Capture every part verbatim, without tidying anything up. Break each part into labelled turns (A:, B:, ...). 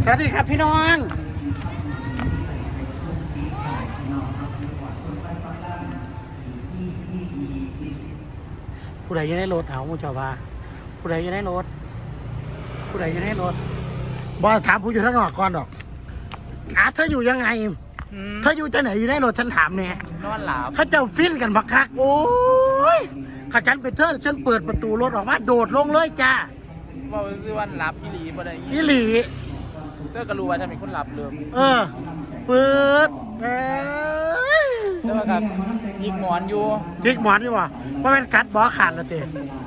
A: สวัสดีครับพี่น้องผู้ใดยังได้รถเอามุจาวาผู้ใดยังได้รถผู้ใดยังได้รถบอถามผู้อยู่ทั้งนอกก่อนดอกอาเธออยู่ยังไงเธออยู่จะไหนอยู่ในรถฉันถามเนี่ย
B: นอนหลับ
A: เขาเจ้าฟินกันบักคักโอ้ยข้าฉันไปเธอฉันเปิดประตูรถออกมาโดดลงเลยจ้า
B: ว่าซื้อวันหลับอีหลีบ่ได้
A: อีหลี
B: เธอก็รู้ว่าจะเป็นคนหลับเลย
A: เออเปิดเออ
B: แต่ว่ากับยิกหมอนอยู่
A: ยิกหมอนดีกว่าเพราะมันกัดบอขาดละเต้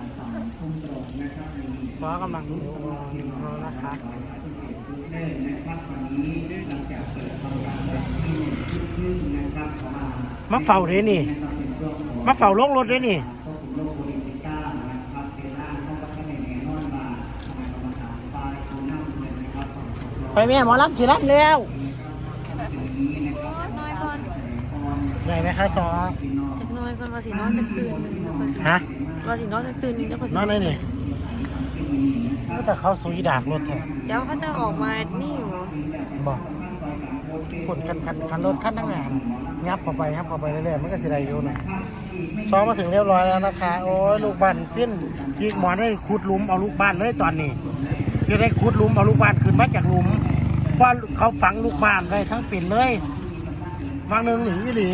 A: ซอกำลังดูนะคะมาเฝ้าเลยนี่มาเฝ้าลงรถเลยนี่ไปแม่หมอลำขี่รถแล้วได้ไหมคะซอ
C: จักน้อยคนว่าสินอนจะตื่นหนึ่ง
A: ฮะ
C: ว่าสินอนจะตื่นหนึ่งจะ
A: นอนได้นี่ก็แต่เขาสุยดากรถแท้
C: เดี๋ยวเขาจะออกมานี่อยู่
A: บอกขนคันคันคันรถคันทั้งงานงับเข้าไปงับเข้าไปเรื่อยๆมันก็สิได้อยู่หน่อยซ้อมมาถึงเรียบร้อยแล้วนะคะโอ้ยลูกบ้านฟินยิกหมอนได้ขุดหลุมเอาลูกบ้านเลยตอนนี้จะได้ขุดหลุมเอาลูกบ้านขึ้นมาจากหลุมเพราะเขาฝังลูกบ้านเลยทั้งปิ่นเลยบางหนึ่งหนีหนี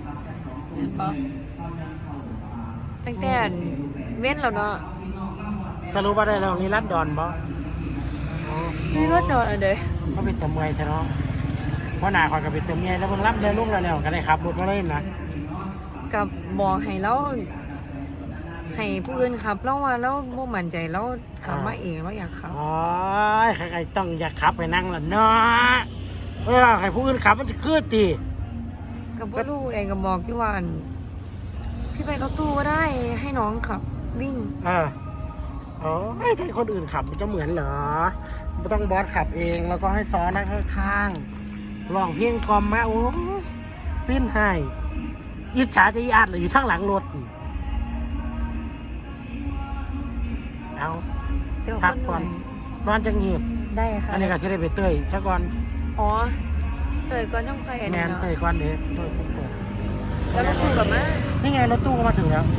C: ตั้งแต่เว้นแล้วเนาะ
A: สรุปว่าได้แล้วนี่รัดดอนบ่
C: นี่รัดดอนอันเดีย
A: เขาไปเติมเงยเถอะเนาะเพราะหนาคอยกับไปเติมเงยแล้วเพิ่งรับเดินลูกแล้วแล้วกันเลยครับรถมาเลยนะ
C: กับบอกให้เราให้ผู้อื่นขับเราว่าเราบ่มั่นใจเราขับมาเองเราอยากขับ
A: อ๋อใครๆต้องอยากขับไปนั่งล่ะเนาะเออใครผู้อื่นขับมันจะคืดตี
C: กับพ่อลูกเองกับบอกที่ว่าพี่ไปรถตู้ก็ได้ให้น้องขับวิ่ง
A: เอออ๋อให้ให้คนอื่นขับมันจะเหมือนเหรอไม่ต้องบอสขับเองแล้วก็ให้ซ้อนนั่งข้างๆร้องเพลงกล่อมมาโอ้ฟินให้อิจฉาจะอีอาดหรืออยู่ข้างหลังรถเอาพักก่อนนอนจะเงียบ
C: ได้ค่ะ
A: อันนี้ก็จะได้ไปเตยชักก่อน
C: อ๋อเตยก่อนต้องใคร
A: แมนเตยก่อนเด็กเตยเปิด
C: แล้วรถตู้กับมา
A: นี่ไงรถตู้ก็มาถึงแล้ว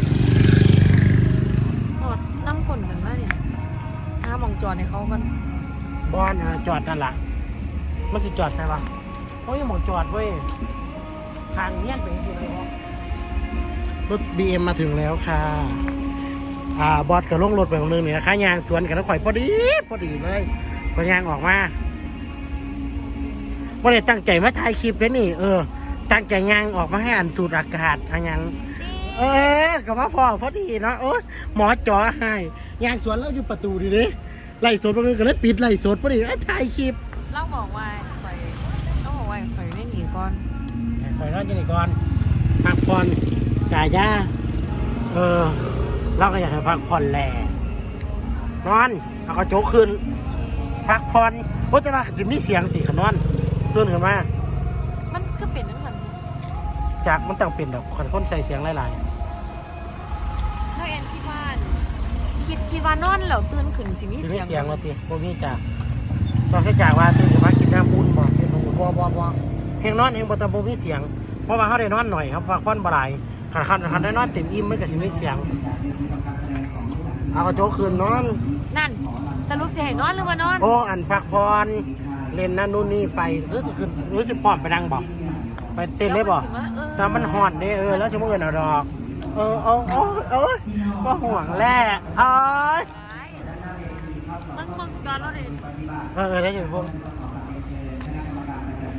C: จอดนั่งกลนกันมาเนี่ยอ้ามองจอดในเขากัน
A: บอลจอดนั่นแหละมันจะจอดใช่ปะเขายังมองจอดเว้ยทางเนี้ยเป็นยังไงวะรถ บี เอ็ม มาถึงแล้วค่ะอ่าบอสกับลงรถไปของนึงนี่นะคะยางสวนกันแล้วข่อยพอดีพอดีเลยพอยางออกมาว่าเลยตั้งใจมาถ่ายคลิปเลยนี่เออตั้งใจยางออกมาให้อ่านสูตรอากาศทางยางเออกับว่าพ่อพอดีเนาะโอ้หมอจ่อให้ยางสวนแล้วอยู่ประตูดีเลยไล่สดตรงนี้ก็เลยปิดไล่สดพอดีไอ้ถ่ายคลิป
C: เล่าบอกว่าข่อยเล่าบอกว่าข่อยได้หนีก่อน
A: ข่อยรอดยังไงก่อนพักผ่อนกายาเออเราก็อยากให้พักผ่อนแหละนอนเอากระโจกขึ้นพักผ่อนโอ้แต่ว่าจะมีเสียงตีขนอนตื่นขึ้นมา
C: มันก็เป็นนั่นแหละ
A: จากมันต้องเป็นแบบคนคนใส่เสียงหลาย
C: ๆถ้าแอนที่บ้านคิดคิดว่านอนแล้วตื่นขึ้นสิมีเสียง
A: เสียงมาตีโบมีจากต้องใช้จากว่าตื่นขึ้นมากินน้ำบุญบ่เสียงบุญบ่บ่บ่เฮงนอนเฮงบ่แต่โบมีเสียงเพราะว่าเขาได้นอนหน่อยครับพักผ่อนบ่หลายขันขันขันได้นอนเต็มอิ่มไม่กับสิมีเสียงเอากระโจกขึ้นนอน
C: นั่นสรุปจะให้นอนหรือว่านอน
A: โอ้อันพักผ่อนเล่นนั่นนู่นนี่ไปหรือจะขึ้นหรือจะป้อมไปนั่งบอกไปเต้นได้บอกแต่มันหอนเนี่ยเออแล้วจะมาเอื่นเอาดอกเออเออเออเออก็ห่วงแหละเอ้ย
C: มันมึงจอนแล้วดิ
A: เออเออได้อยู่พวก